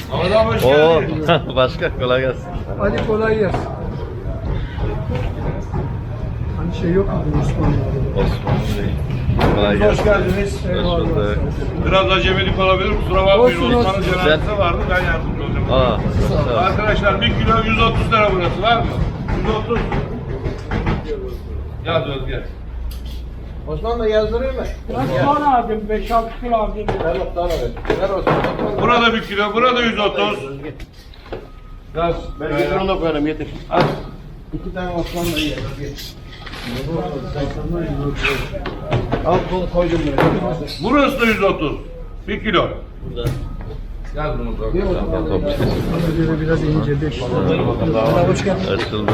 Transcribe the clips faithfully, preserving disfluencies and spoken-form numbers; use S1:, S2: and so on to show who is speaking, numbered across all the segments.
S1: Oo, başka kolay gelsin.
S2: Hadi kolay gelsin. Hani şey yok mu bu Osmanlı'da?
S1: Osman Bey. Kolay gelsin.
S3: Hoş geldiniz.
S1: Hoş bulduk.
S3: Biraz acemilik olabilir, kusura bakmayın.
S2: Olsun,
S3: Osman'ın
S2: olsun.
S3: cenazesi vardı, ben yardımcı olacağım.
S1: Aa, sağ ol.
S3: Arkadaşlar bir kilo yüz otuz lira burası, var mı? yüz otuz. Yaz Özge.
S4: Osman da yazdırıyor mu?
S2: Ben soğan aldım, beş altı kilo aldım.
S4: Ver Osman'a ver. Ver Osman'a.
S3: Burada bir kilo, burada yüz otuz. Yaz.
S4: Ben getir onu da koyalım yeter.
S3: Az.
S4: İki tane Osman'la ye. Al bunu koydum buraya.
S3: Burası da yüz otuz. Bir kilo. Yaz bunu da.
S2: Bana göre biraz ince, beş lira. Hoş geldin.
S1: Açıldı.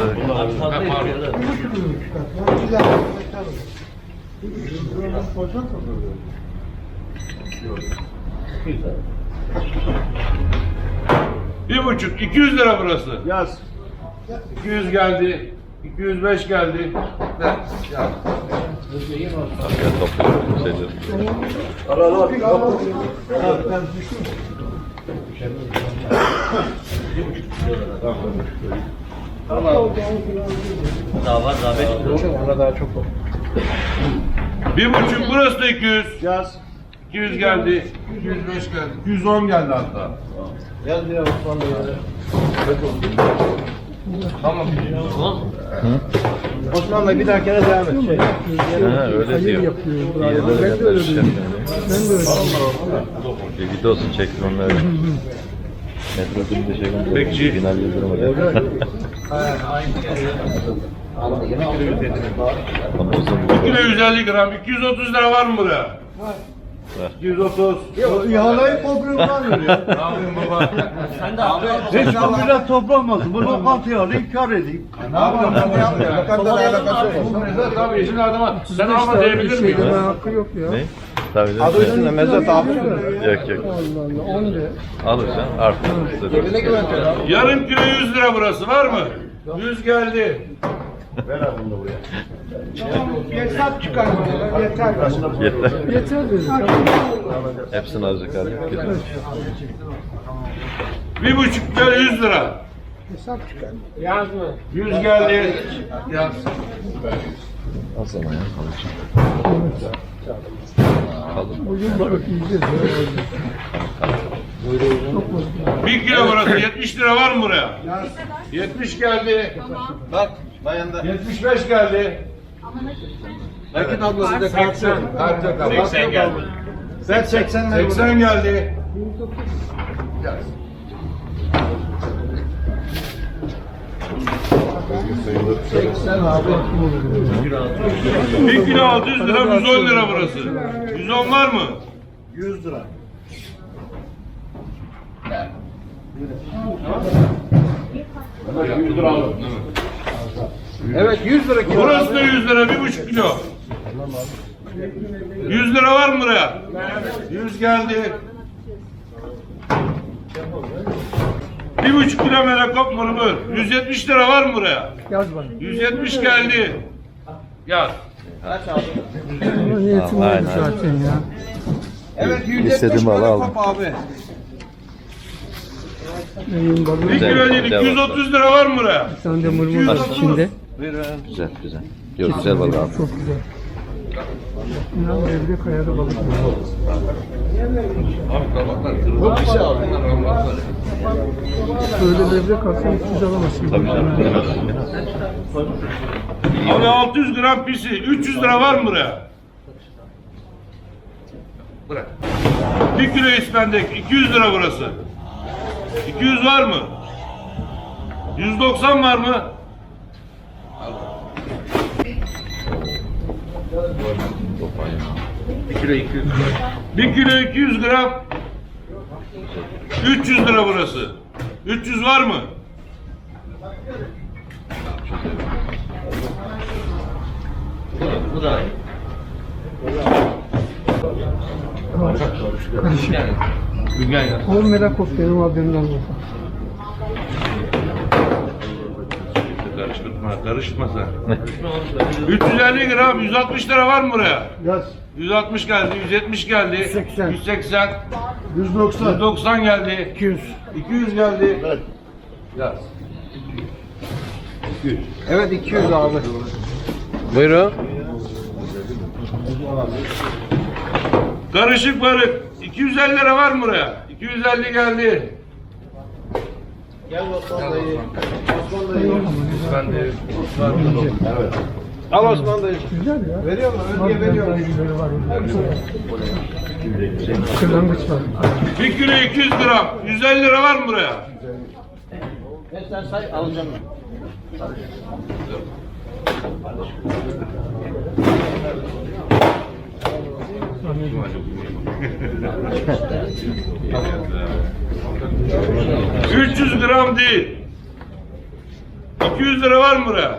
S3: Bir buçuk, iki yüz lira burası.
S4: Yaz.
S3: iki yüz geldi. iki yüz beş geldi. Ver. Yaz.
S1: Arkaya topluyorum şeyleri.
S4: Al al al. Al ben düştüm.
S1: Daha var, daha beş lira.
S4: Ona daha çok var.
S3: Bir buçuk, burası da iki yüz.
S4: Yaz.
S3: iki yüz geldi. iki yüz beş geldi. iki yüz on geldi hatta.
S4: Yaz diye Osman'la ye.
S3: Tamam.
S4: Osman'la bir dahakine devam et. Şey.
S1: Ha, öyle
S2: Hayır
S1: diyor.
S2: yapıyor.
S1: İyi
S2: Bravo.
S1: yerlere
S2: Ben de öyle
S1: göndermiş
S2: diyorum.
S1: yani.
S2: Ben de öyle diyorum.
S1: Bir videosunu çektim onları. Metrobüsünde şey gönderdim.
S3: Bekçi.
S1: Binal Yıldırım hocam. Ama uzun
S3: Bir
S1: bir
S3: kilo yüz elli gram. iki yüz otuz lira var mı buraya? iki yüz otuz.
S4: İhaleyi toprağından veriyor.
S3: Ne yapayım baba?
S4: Hiç bu biraz toplanmasın. Bu lokantayı alayım kar edeyim.
S3: Ne yapalım? Ne yapayım?
S4: Lokantayla alakası yok.
S3: Bu mezat tabii işin adama. Sen
S2: İşte
S3: alma
S2: abi,
S3: diyebilir
S2: şey deme
S3: miyim?
S2: hakkı yok ya.
S1: Ne? Tabii canım.
S4: Adı üstünde mezat abi.
S1: Yok yok.
S2: Allah Allah, on de.
S1: Alırsan artık.
S4: Yerine güventiyor abi.
S3: Yarım kilo yüz lira burası var mı? yüz geldi.
S4: Ver abi bunu da buraya.
S2: Hesap çıkar bana, yeter.
S1: Yeter.
S2: Yeter dedi.
S1: Hepsini alacak hali yok. Gidelim.
S3: Bir buçuk kilo yüz lira.
S2: Hesap çıkar.
S3: yüz geldi. Yaz.
S1: Al sana ya. Alacağım. Kalın.
S2: Bugün balık yiyeceğiz. ya.
S3: Bir kilo burası. yetmiş lira var mı buraya? yetmiş geldi.
S4: Bak bayanda.
S3: yetmiş beş geldi.
S4: Nakit ablası da
S3: seksen. Kart yok abi.
S4: seksen geldi. Sen seksen ver.
S3: seksen geldi. Yaz.
S4: seksen abi.
S3: bir kilo altı yüz lira, yüz on lira burası. yüz on var mı?
S4: yüz lira.
S3: yüz lira aldım.
S4: Evet yüz lira kilo.
S3: Burası da yüz lira, bir buçuk kilo. yüz lira var mı buraya? yüz geldi. Bir buçuk kilo melekop mırmır. yüz yetmiş lira var mı buraya?
S2: Yaz bana.
S3: yüz yetmiş geldi. Yaz.
S2: Ama niyetim
S1: Aynen.
S2: oldu zaten ya.
S4: Evet yüz yetmiş
S1: İstediğimi al,
S4: böyle
S1: aldım.
S4: kop abi.
S2: Benim balık.
S3: Bir
S1: Güzel,
S3: kilo değil,
S1: güzel
S3: iki yüz otuz lira var mı buraya?
S2: Bir tane de mırmır var içinde.
S1: Güzel güzel. Yok güzel balık abi.
S2: Çok güzel. İnan evde kayada balık var.
S3: Abi kabaklar kırıldı. Bir şey abi.
S2: Böyle levrek alsan üç yüz alamazsın.
S1: Tabii canım.
S3: Abi altı yüz gram pisi. üç yüz lira var mı buraya? Bırak. Bir kilo ispendek. iki yüz lira burası. iki yüz var mı? yüz doksan var mı? Bir kilo iki yüz. Bir kilo iki yüz gram. üç yüz lira burası. üç yüz var mı? Bu da.
S2: Karışık.
S3: Gülgen ya.
S2: Ol merak of benim abimden olsa.
S3: Karıştırma, karışma sen. üç yüz elli gram, yüz altmış lira var mı buraya?
S2: Yaz.
S3: yüz altmış geldi, yüz yetmiş geldi.
S2: yüz seksen.
S3: yüz seksen.
S2: yüz doksan.
S3: yüz doksan geldi.
S2: iki yüz.
S3: iki yüz geldi. Yaz.
S2: Evet iki yüz abi.
S1: Buyurun.
S3: Karışık barık. iki yüz elli lira var mı buraya? iki yüz elli geldi.
S2: Gel Osman dayı. Osman dayı.
S3: Ben de.
S2: Evet. Al Osman dayı. Güzel ya. Veriyor mu? Ödüye veriyor mu? Kırlangıç var.
S3: bir kilo iki yüz gram. yüz elli lira var mı buraya?
S2: Sen say alacağım ben.
S3: üç yüz gram değil. iki yüz lira var mı buraya?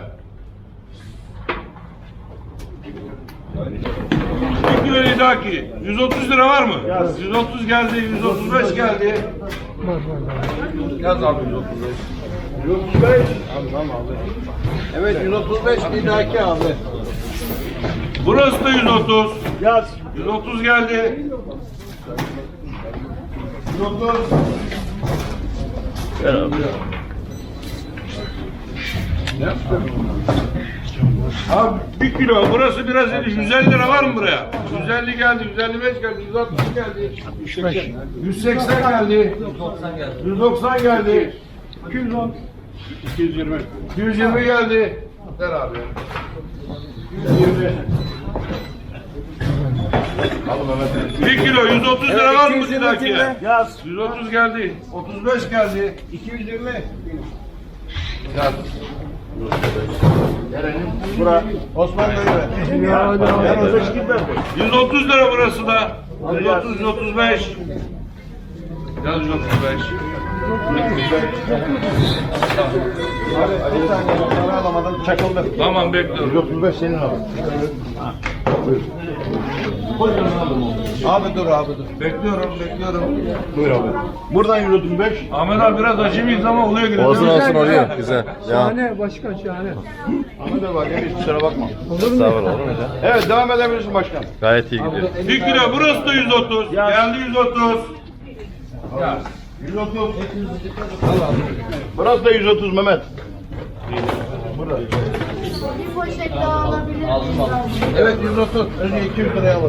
S3: bir kilo idaki. yüz otuz lira var mı? yüz otuz geldi, yüz otuz beş geldi. Yaz abi yüz otuz beş.
S2: yüz otuz beş. Tamam abi. Evet yüz otuz beş lidaki abi.
S3: Burası da yüz otuz.
S2: Yaz.
S3: yüz otuz geldi. yüz otuz.
S1: Gel abi.
S3: Abi bir kilo. Burası biraz iyi. yüz elli lira var mı buraya? yüz elli geldi, yüz elli beş geldi, yüz altmış geldi. yüz seksen geldi. yüz doksan geldi.
S2: iki yüz on. iki yüz yirmi.
S3: iki yüz yirmi geldi. Ver abi. yüz yirmi. bir kilo yüz otuz lira var mı sizde?
S2: Yaz.
S3: yüz otuz geldi. otuz beş geldi.
S2: iki yüz yirmi.
S3: Yaz.
S2: Bura. Osman dayı ver. Ya hadi abi.
S3: yüz otuz lira burası da. yüz otuz, yüz otuz beş. Yaz yüz otuz beş.
S2: Abi bir saniye bak para alamadım çakıldı.
S3: Tamam bekliyorum.
S2: yüz otuz beş senin abi. Abi dur abi dur.
S3: Bekliyorum, bekliyorum.
S2: Buyur abi. Buradan yüz otuz beş.
S3: Ahmet abi biraz acemiyiz ama oluyor gene.
S1: Olsun
S3: değil mi?
S1: olsun oluyor. Güzel. Ya.
S2: Şahane başkan şahane. Ahmet abi bak hiç kusura bakma.
S1: Sağ ol olur mu ya?
S2: Evet devam edebilirsin başkan.
S1: Gayet iyi gidiyor.
S3: Bir kilo burası da yüz otuz. Geldi yüz otuz. Yaz.
S2: yüz otuz. Burası da yüz otuz Mehmet.
S5: Bir poşet daha alabilir miyim?
S2: Evet yüz otuz. Önce iki yüz liraya alalım.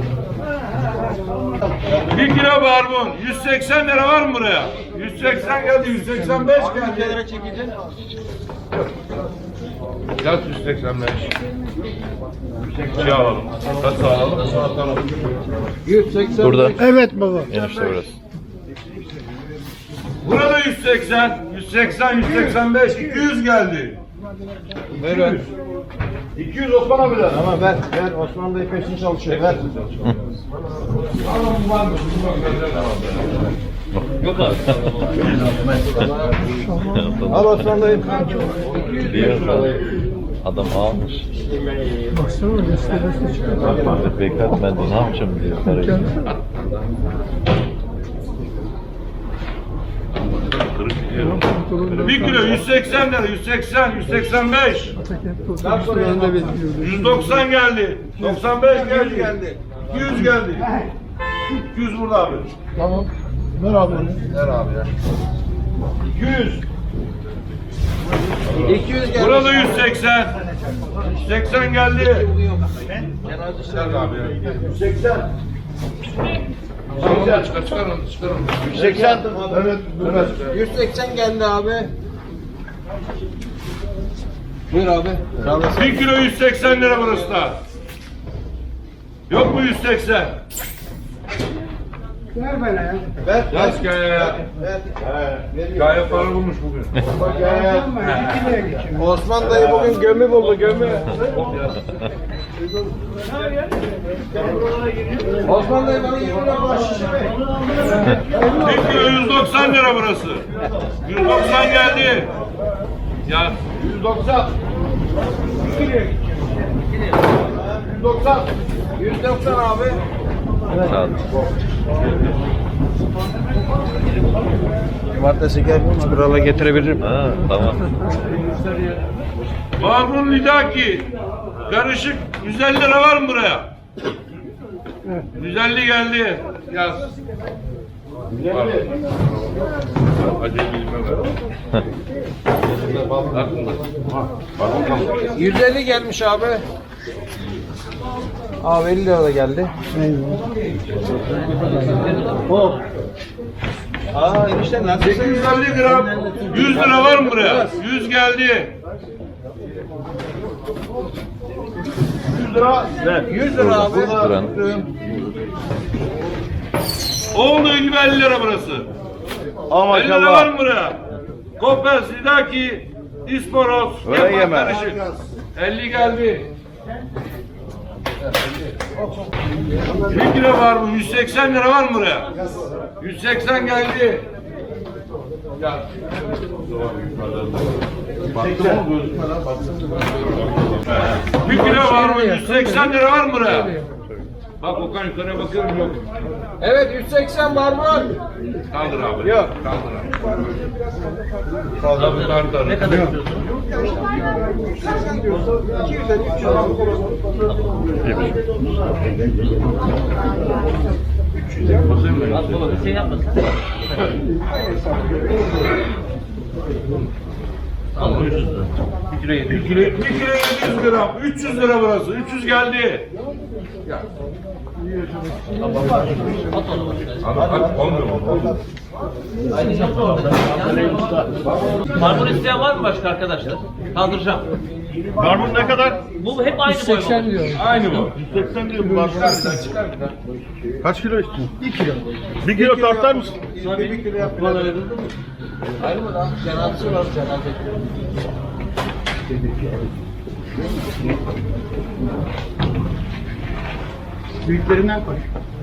S3: Bir kilo barbun. yüz seksen lira var mı buraya? yüz seksen geldi, yüz seksen beş geldi.
S2: çekeceksin?
S3: Yaz yüz seksen beş. Şey alalım. Kaç alalım? Atalım.
S2: yüz seksen.
S1: Burada.
S2: Evet baba.
S1: Enişte burası.
S3: Burada yüz seksen, yüz seksen, yüz seksen beş, iki yüz geldi.
S2: Ver iki yüz Osman abi de. Ama ver, ver. Osman dayı peşin çalışıyor. Ver. Al Osman dayı.
S1: Diyor adam almış.
S2: Baksana gösterisi çıkıyor.
S1: Bak Mehmet Beklet ben de ne yapacağım diyor parayı.
S3: Bir kilo yüz seksen lira, yüz seksen, yüz seksen beş. yüz doksan geldi. doksan beş geldi. iki yüz geldi. iki yüz burada abi.
S2: Tamam. Ver abi.
S3: Ver abi ya. iki yüz.
S2: iki yüz geldi.
S3: Burada yüz seksen. yüz seksen geldi. Gel abi ya.
S2: yüz seksen.
S3: Tamam, çıkar, çıkar onu, çıkar onu.
S2: yüz seksen. Evet. yüz seksen geldi abi. Buyur abi.
S3: Bir kilo yüz seksen lira burası da. Yok mu yüz seksen?
S2: Ver bana ya. Ver.
S3: Yaz kaya.
S2: Ver.
S3: Kaya para bulmuş bugün.
S2: Osman dayı bugün gömü buldu gömü. Osman dayı bana yirmi lira bahşişi ver.
S3: Bir kilo yüz doksan lira burası. yüz doksan geldi. Ya
S2: yüz doksan. yüz doksan. yüz doksan abi.
S1: Sağ ol.
S2: Cumartesi gel krala getirebilirim.
S1: Ha tamam.
S3: Barbun Lidaki. Karışık yüz elli lira var mı buraya? yüz elli geldi. Yaz. Acele bilmem ben.
S2: yüz elli gelmiş abi. Abi elli lira da geldi.
S4: Hop.
S2: Aa enişte nasıl?
S3: sekiz yüz elli gram. yüz lira var mı buraya? yüz geldi.
S2: yüz lira. yüz lira abi.
S1: yüz lira.
S3: Oldu gibi elli lira burası.
S2: Ama
S3: elli lira var mı buraya? Kopes, Lidaki, İsporos,
S2: Öyle
S3: Kepa
S2: yeme.
S3: karışık. elli geldi. bir kilo var mı? yüz seksen lira var mı buraya? yüz seksen geldi. Bir kilo var mı? yüz seksen lira var mı buraya? Bak Okan yukarıya bakıyorum yok.
S2: Evet yüz seksen var mı?
S3: Kaldır abi.
S2: Yok.
S3: Kaldır abi. Kaldır kaldır. Ne kadar istiyorsun?
S6: Bir şey yapmasın.
S3: Bir kilo yedi yüz gram. üç yüz lira burası. üç yüz geldi. Hadi olmuyor mu?
S6: Barbun isteyen var mı başka arkadaşlar? Kaldıracağım.
S4: Barbun ne kadar?
S6: Bu hep aynı boy mu?
S3: Aynı bu.
S4: yüz seksen diyorum barbun. Kaç kilo istiyorsun? bir kilo. bir kilo tartar mısın?
S2: bir kilo yapmalar. Hayır mı lan? Cenazesi var cenaze.
S4: Büyüklerinden koy.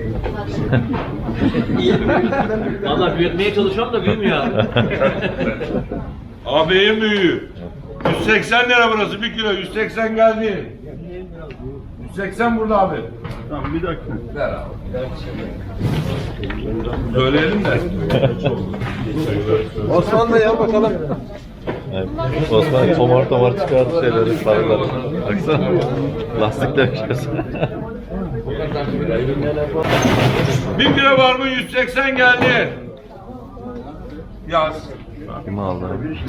S6: Valla büyütmeye çalışıyorum da büyümüyor abi.
S3: Abi en büyüğü. yüz seksen lira burası. bir kilo. yüz seksen geldi. yüz seksen burada abi.
S4: Tamam bir dakika.
S3: Ver abi. Söyleyelim de.
S2: Osman da ya bakalım.
S1: Evet. Osman tomar tomar çıkardı şeyleri, sarıları. Baksana. Lastikler işte.
S3: bir kilo var mı? yüz seksen geldi. Yaz.
S1: Kim aldı?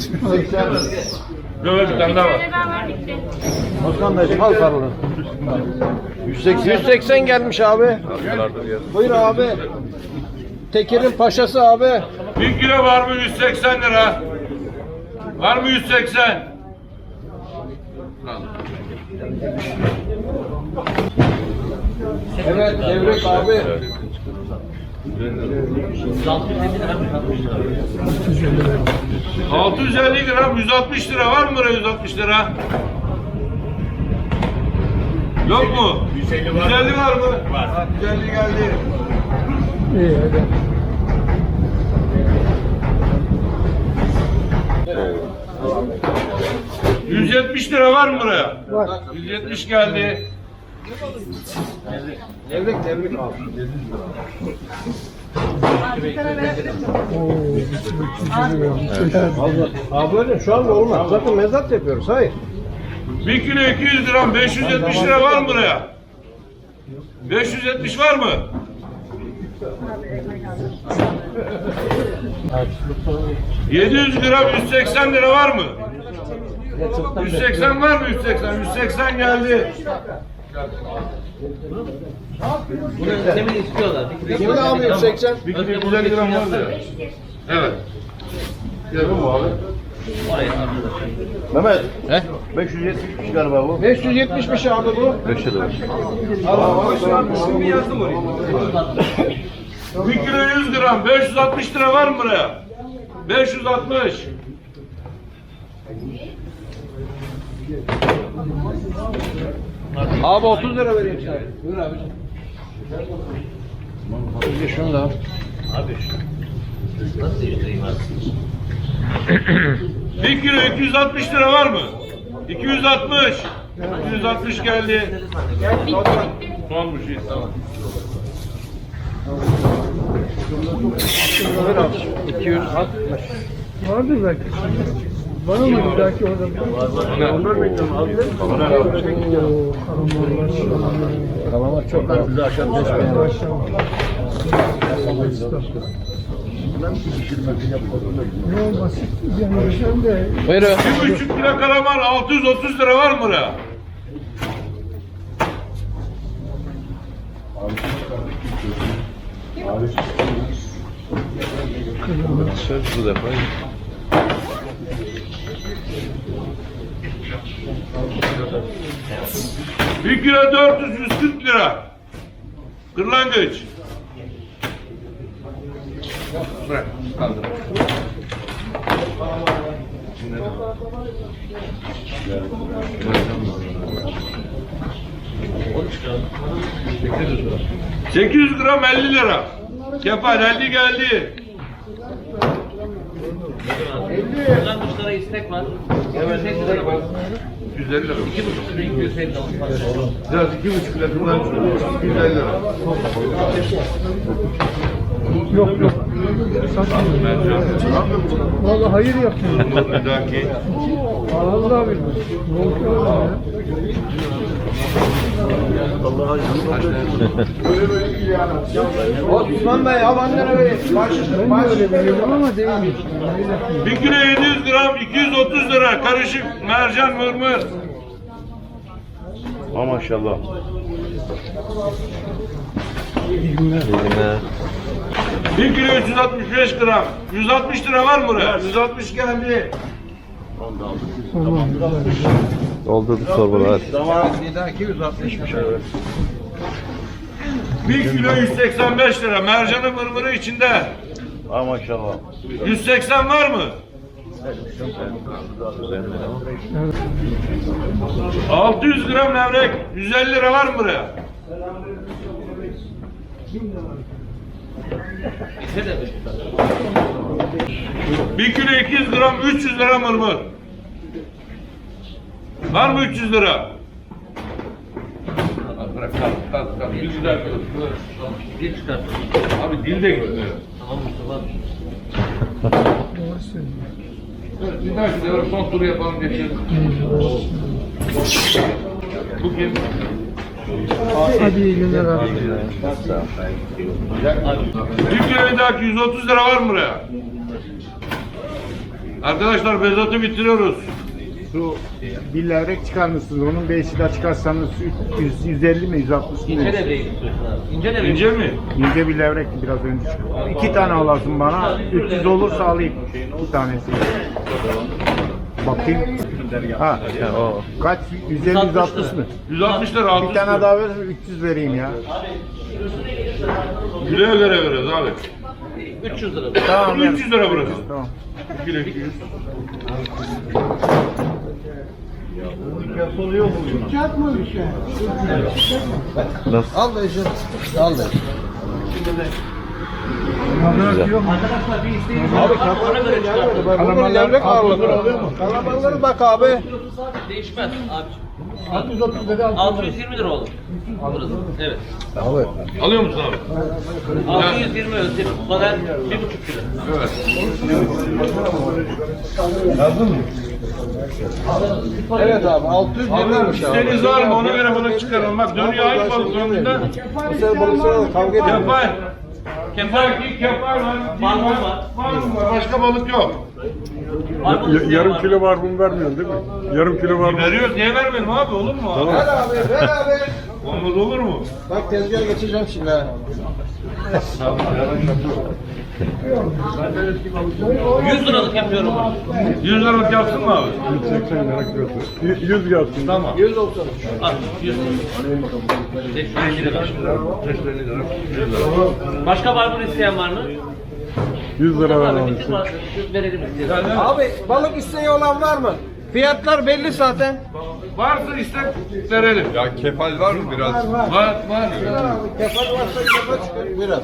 S3: Böyle bir tane daha var.
S5: Beraber bitti.
S2: Osman dayı al sarılın. yüz seksen gelmiş abi.
S1: Sarılardır ya.
S2: Buyur abi. Teker'in paşası abi.
S3: bir kilo var mı? yüz seksen lira. Var mı yüz seksen?
S2: Evet Devrek abi.
S3: altı yüz elli gram. yüz altmış lira. Var mı buraya yüz altmış lira? Yok mu? yüz elli var mı? Var. yüz elli geldi.
S2: İyi hadi.
S3: yüz yetmiş lira var mı buraya? Var. yüz yetmiş geldi.
S2: Devrek Devrek abi. Abi öyle şu anda olmaz. Zaten mezat yapıyoruz. Hayır.
S3: bir kilo iki yüz gram. beş yüz yetmiş lira var mı buraya? beş yüz yetmiş var mı? yedi yüz gram yüz seksen lira var mı? yüz seksen var mı? yüz seksen. yüz seksen geldi.
S6: Bunu demin istiyorlar.
S2: Kimin abi yüz seksen?
S3: bir kilo yüz elli gram var mı? Evet. Yapın mı abi?
S4: Mehmet.
S2: He?
S4: beş yüz yetmiş galiba bu.
S2: beş yüz yetmişmiş abi bu.
S1: beş lira.
S3: bir kilo yüz gram. beş yüz altmış lira var mı buraya? beş yüz altmış.
S2: Abi otuz lira vereyim sana. Buyur abiciğim. Bir şunu da al.
S6: Abi nasıl değiştireyim abi?
S3: bir kilo iki yüz altmış lira var mı? iki yüz altmış. iki yüz altmış geldi. Son bir şey tamam.
S2: Buyur abi. iki yüz altmış. Vardır belki.
S7: Var mı bir dahaki orada? Onlar bekliyorum abi. Kalamar çok az. Bizi aşağı geçmeye başladı. Yok basit. Yani sen de
S3: Bir buçuk kilo kalamar altı yüz otuz lira var mı buraya?
S1: Söz bu defa.
S3: Bir kilo dört yüz yüz kırk lira. Kırlangıç. Bırak, kaldır. sekiz yüz gram elli lira. Kefal elli geldi.
S6: Buradan kuşlara istek var. Evet.
S3: yüz elli lira.
S6: iki buçuk kilo iki yüz elli lira.
S3: Biraz iki buçuk lira kullanıyorsun. yüz elli lira.
S7: yok yok. Vallahi hayır yaptın.
S3: Bir dahaki.
S7: Vallahi bilmem. Yok yok ya.
S2: Osman Bey al annene böyle. Baş,
S7: Ben de öyle biliyorum ama değil.
S3: Bir kilo yedi yüz gram iki yüz otuz lira. Karışık mercan mırmır.
S4: Ha maşallah.
S1: İyi günler.
S3: Bir kilo üç yüz altmış beş gram. yüz altmış lira var mı buraya? yüz altmış geldi.
S7: Tamam.
S1: Doldurduk torbaları hadi.
S2: Zaman bir dahaki yüz altmışmış evet.
S3: bir kilo yüz seksen beş lira. Mercanı mırmırı içinde.
S4: Ha maşallah.
S3: yüz seksen var mı? altı yüz gram levrek. yüz elli lira var mı buraya? bir kilo iki yüz gram üç yüz lira mırmır. Var mı üç yüz lira? Bırak kalk kalk kalk. Bir güzel
S6: Bir çıkar.
S3: Abi dil de gitmiyor.
S6: Tamam Mustafa.
S7: Doğru söylüyorsun.
S3: Evet, bir dahaki sefer son turu yapalım geçelim. Bu kim?
S7: Hadi iyi günler abi.
S3: Bir kilo bir dahaki yüz otuz lira var mı buraya? Arkadaşlar Bezat'ı bitiriyoruz.
S2: Şu bir levrek çıkarmışsınız. Onun beşi de çıkarsanız yüz, yüz elli mi yüz altmış mı?
S6: İnce devreyi istiyorsun abi. İnce devreyi.
S3: İnce mi?
S2: İnce bir levrek biraz önce çıktı. İki tane alasın bana. üç yüz olursa alayım. İki tanesi. Bakayım. Ha.
S1: O.
S2: Kaç? yüz elli yüz altmış mı?
S3: yüz altmış lira altmış
S2: Bir tane
S3: lira.
S2: daha verirsen üç yüz vereyim ya.
S3: Kiloya göre veriyoruz abi.
S6: üç yüz lira.
S2: Tamam.
S3: üç yüz lira burası.
S2: Tamam.
S3: bir kilo iki yüz.
S1: Nasıl?
S2: Al da işin. Al da.
S6: Arkadaşlar bir isteğimiz var.
S2: Abi
S6: Ona göre çıkartın.
S2: kalamarlar levrek ağırlığı oluyor mu? Kalamarları bak abi.
S6: Değişmez abi.
S2: altı yüz otuz dedi
S6: altı yüz yirmi lira olur. Burası. Evet.
S2: Abi.
S3: Alıyor musun abi?
S6: altı yüz yirmi ölçek. Soner bir buçuk kilo.
S3: Evet.
S2: Evet abi altı yüz yirmi
S3: İsteğiniz var mı? Ona göre balık çıkaralım. Bak dönüyor aynı balık önünde.
S2: Bu sefer balıkçılarla kavga ediyor.
S3: Kefal.
S6: Kefal.
S3: Kefal, kefal var.
S6: Barbun var.
S3: Barbun var. Başka balık yok.
S6: Barbun
S4: Ya-
S6: isteyen
S4: yarım
S6: var.
S4: kilo var bunu vermiyorsun değil mi? Yarım kilo var.
S3: Veriyoruz. Niye vermeyelim abi? Olur mu? Abi?
S2: Ver abi ver abi.
S3: Olmaz olur mu?
S2: Bak tezgaha geçeceğim şimdi ha.
S6: yüz liralık yapıyorum.
S3: yüz liralık yapsın mı abi?
S4: yüz seksen lira kilosu. Y- yüz gelsin.
S3: Tamam.
S2: yüz olsun.
S6: Al yüz lira. beş yüz elli lira. Başka barbun isteyen var mı?
S4: yüz lira ver
S6: Abi
S4: abi.
S6: bütün var. Verelim isteyen.
S2: Abi balık isteği olan var mı? Fiyatlar belli zaten.
S3: Varsa istek verelim. Ya kefal var mı biraz? Var var. var.
S2: Kefal varsa kefal çıkar. Biraz.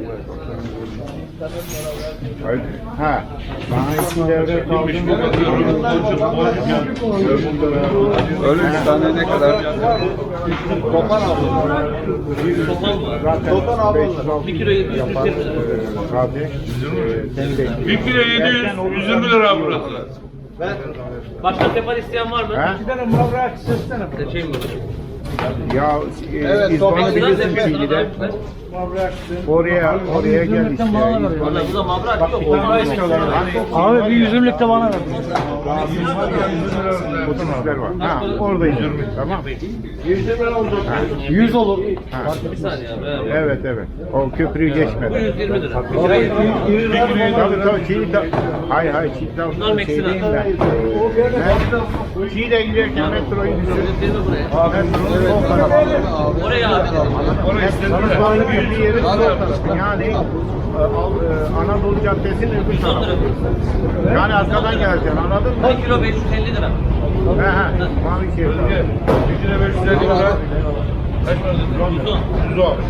S2: Ha. Bana iki devre kaldı.
S3: Öyle bir tane ne kadar?
S2: Topan aldım.
S6: Topal var.
S2: Topan aldım.
S6: bir kilo yedi yüz yirmi lira.
S2: Abi.
S3: Bir kilo yedi yüz, yüz yirmi lira burası.
S6: Başka kefal isteyen var mı?
S4: Ha?
S6: Şey mi?
S4: Ya e, İzban'ı bilirsin Çinli'de. Oraya, oraya gel işte.
S6: Valla bu da mabrak yok. Mabrak istiyorlar.
S7: Abi bir yüzümlük de bana ver.
S4: Otobüsler var. Ha, oradayız. Tamam.
S7: yüz olur.
S6: Bir saniye abi. evet.
S4: Evet, evet. O köprüyü
S6: Bu
S4: geçmeden.
S6: yüz yirmi lira.
S4: Tabii tabii Çiğ de... Hayır hayır Çiğ
S6: Bunlar
S4: de
S6: Meksika.
S4: şey değil ben. Ben Çiğ'de giderken metroyu düşürdüm.
S6: yüz yirmi buraya.
S4: Metronun sol tarafı.
S6: Oraya abi.
S4: Metro'nun girdiği yerin sol tarafı. Yani e, Al- e, Anadolu Caddesi'nin öbür tarafı. Yani arkadan geleceksin anladın mı?
S6: bir kilo beş yüz elli lira.
S4: He he. Mavi şey.
S3: Bir kilo beş yüz elli lira. Kaç para dedin?
S6: yüz on.
S3: yüz on.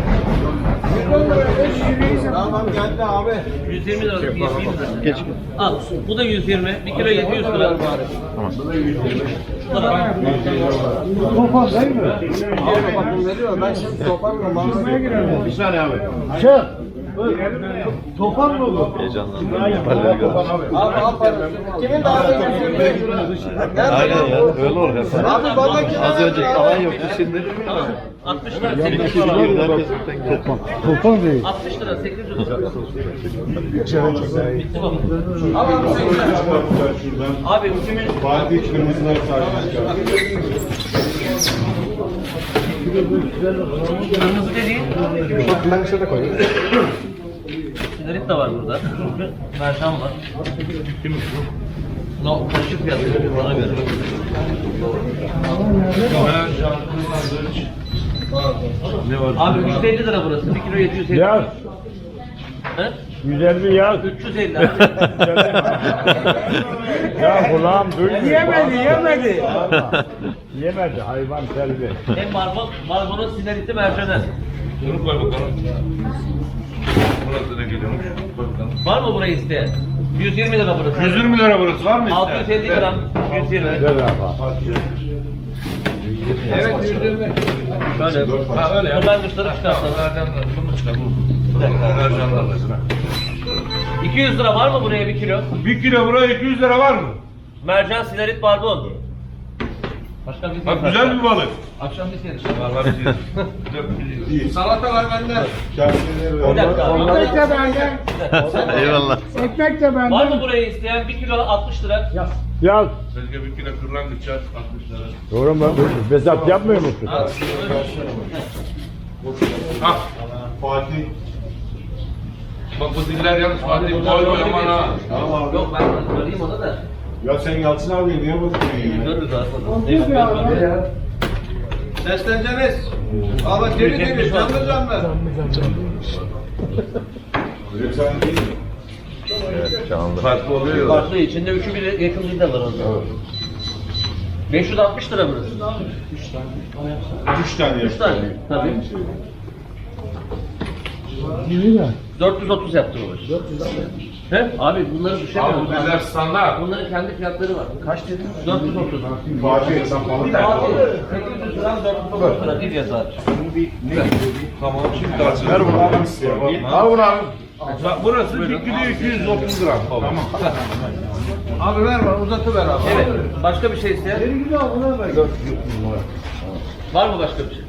S2: Tamam geldi abi.
S6: yüz yirmi lira. yüz yirmi lira. Geç. Al. Bu da yüz yirmi. bir kilo yedi yüz lira.
S4: Tamam.
S7: Topan değil mi?
S2: Abi bakın veriyor. Ben şimdi toparlıyorum. Bağlamaya giriyorum.
S4: Bir saniye abi.
S7: Çık. Topan mı bu?
S1: Heyecanlandım. Kefaller görmüş.
S2: Abi al parası. Kimin daha da
S1: Aynen ya. Öyle olur hep.
S2: Abi bana kim
S1: Az önce alan yoktu şimdi.
S6: altmış lira.
S1: Bir
S6: sekiz
S1: kişi
S6: yüz lira.
S1: girdi herkes tek
S7: Topan. Topan değil.
S6: altmış lira. sekiz yüz lira. Bitti baba. Abi bu kimin?
S4: Fatih kırmızılar sadece.
S6: Kırmızı dediğin.
S2: Ben şurada koyayım.
S6: Sigaret de var burada. Mercan var. Kim bu? No, karışık fiyatı bana göre.
S3: Ne var?
S6: Abi üç yüz elli lira burası. bir kilo yedi yüz elli.
S7: Yaz.
S6: He?
S7: yüz elli yaz.
S6: üç yüz elli abi.
S7: Ya kulağım duymuyor. Yemedi yemedi. Yemedi hayvan selvi.
S6: Hem marmol, marmolun sineriti mercanı.
S3: Bunu koy bakalım. Burası ne geliyormuş? Koy bakalım.
S6: Var mı burayı isteyen? yüz yirmi lira burası.
S3: yüz yirmi lira burası var mı?
S6: altı yüz elli gram. yüz yirmi.
S2: Evet yüz yirmi.
S6: Şöyle.
S3: Ha öyle ya.
S6: Buradan kuşları çıkartalım.
S3: Mercanlar. Bunu çıkar bu. Mercanlar mesela.
S6: iki yüz lira var mı buraya bir kilo?
S3: Bir kilo buraya iki yüz lira var mı?
S6: Mercan, sinerit, barbon. Başka bir şey
S3: Bak güzel bir balık.
S6: Akşam bir şey.
S3: Var var bir şey.
S2: Salatalar bende.
S6: Bir dakika.
S7: Ekmek de benden.
S1: Eyvallah.
S7: Ekmek de benden.
S6: Var mı buraya isteyen bir kilo altmış lira?
S7: Yaz.
S3: Belki bir kilo kırlangıç çarp altmış lira.
S7: Doğru mu? Bezat yapmıyor musun?
S3: Ha.
S4: Fatih.
S3: Bak bu diller yalnız Fatih koy koy aman ha.
S6: Yok ben arayayım onu da.
S4: Ya sen Yalçın abi niye bakıyorsun?
S6: Görürüz aslında.
S2: Sesleneceğiniz. Abi diri diri canlı canlı.
S4: Sen değil mi?
S1: Evet canlı.
S3: Farklı oluyor ya.
S6: Farklı içinde üçü bir yakın bir de var orada. beş yüz altmış lira burası.
S4: Üç tane.
S6: üç tane. Tabii. dört yüz otuz yaptı bu. He? Abi bunları
S3: Abi
S6: düşemiyoruz.
S3: bu diller standart.
S6: Bunların kendi fiyatları var. Kaç dedin? dört yüz otuz.
S4: Fatih sen balık ver.
S6: Abi sekiz yüz gram dört yüz otuz lira bir yazar.
S3: Tamam şimdi kalsın.
S4: Ver bunu abi.
S3: Al bunu abi. Bak burası bir kilo iki yüz otuz gram. Tamam.
S2: Abi ver bana uzatıver abi.
S6: Evet. Başka bir şey isteyen? Var mı başka bir şey?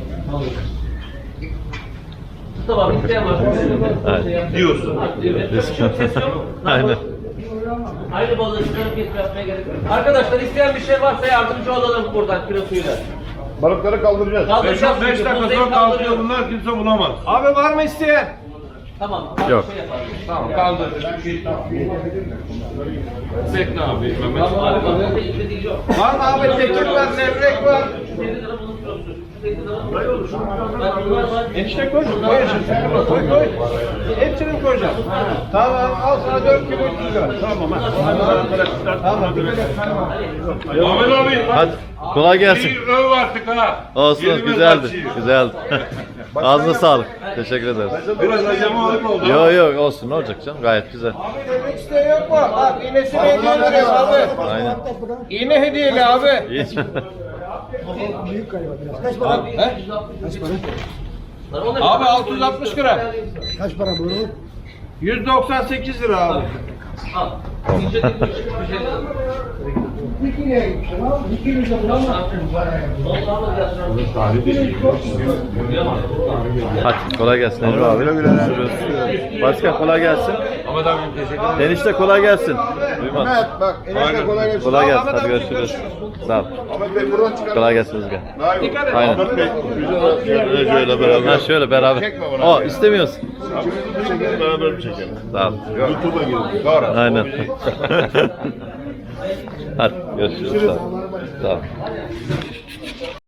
S6: Tamam, isteyen var.
S1: Evet.
S3: Diyorsun.
S6: Evet. Çok ses yok.
S1: Aynen.
S6: Aynı balığı çıkarıp kesip yapmaya gerek yok. Arkadaşlar isteyen bir şey varsa yardımcı olalım buradan kilosuyla.
S4: Balıkları kaldıracağız.
S3: beş
S6: Kaldıracağız
S3: beş
S6: çünkü,
S3: dakika
S6: buzdayı
S3: sonra kalkıyor
S6: kaldırıyor.
S3: bunlar kimse bulamaz.
S2: Abi var mı isteyen?
S6: Tamam.
S1: Yok.
S6: Şey yaparız.
S3: Tamam kaldır. Bekle abi. Mehmet.
S6: Abi balıkta ilgili değil yok.
S2: Var mı abi tekir var, levrek var.
S6: yüz elli lira bunun kilosu. yüz elli lira. Böyle olur. Bak bunlar var.
S2: Enişte koy. Koy enişte. Koy koy. Hepsini koyacağım. Tamam al sana dört kilo üç yüz lira. Tamam ha. Tamam.
S3: Ahmet abi.
S1: Hadi kolay gelsin.
S3: Bir öv artık ha.
S1: Olsun
S3: Yeni bir
S1: güzeldi.
S3: maçı.
S1: Güzeldi. Ağzına sağlık. Teşekkür ederiz.
S3: Biraz acemalık oldu.
S1: Yok yok olsun ne olacak canım gayet güzel.
S2: Abi levrek isteği yok mu? Bak iğnesini hediye veriyorum abi.
S1: Aynen.
S2: İğne hediyeli abi.
S1: İyi.
S6: Kaç para?
S2: Abi altı yüz altmış gram.
S7: Kaç para bu?
S2: yüz doksan sekiz lira abi.
S6: Al. İnce dik bir şey de.
S1: Hadi kolay gelsin Emre abi. Görüşürüz. Başkan kolay gelsin.
S3: Ahmet abi teşekkür ederim.
S1: Enişte kolay gelsin. Duymaz.
S4: Bak enişte kolay gelsin.
S1: Kolay gelsin. Hadi görüşürüz. Sağ ol.
S4: Ahmet Bey buradan çıkar.
S1: Kolay gelsin Rüzgar.
S2: Dikkat et.
S1: Aynen.
S4: Ahmet Bey güzel şöyle beraber.
S1: Ha şöyle beraber. O istemiyorsun.
S4: Beraber bir çekelim.
S1: Sağ ol.
S4: YouTube'a girelim. Sonra.
S1: Aynen. Hadi görüşürüz. Sağ ol. Sağ ol.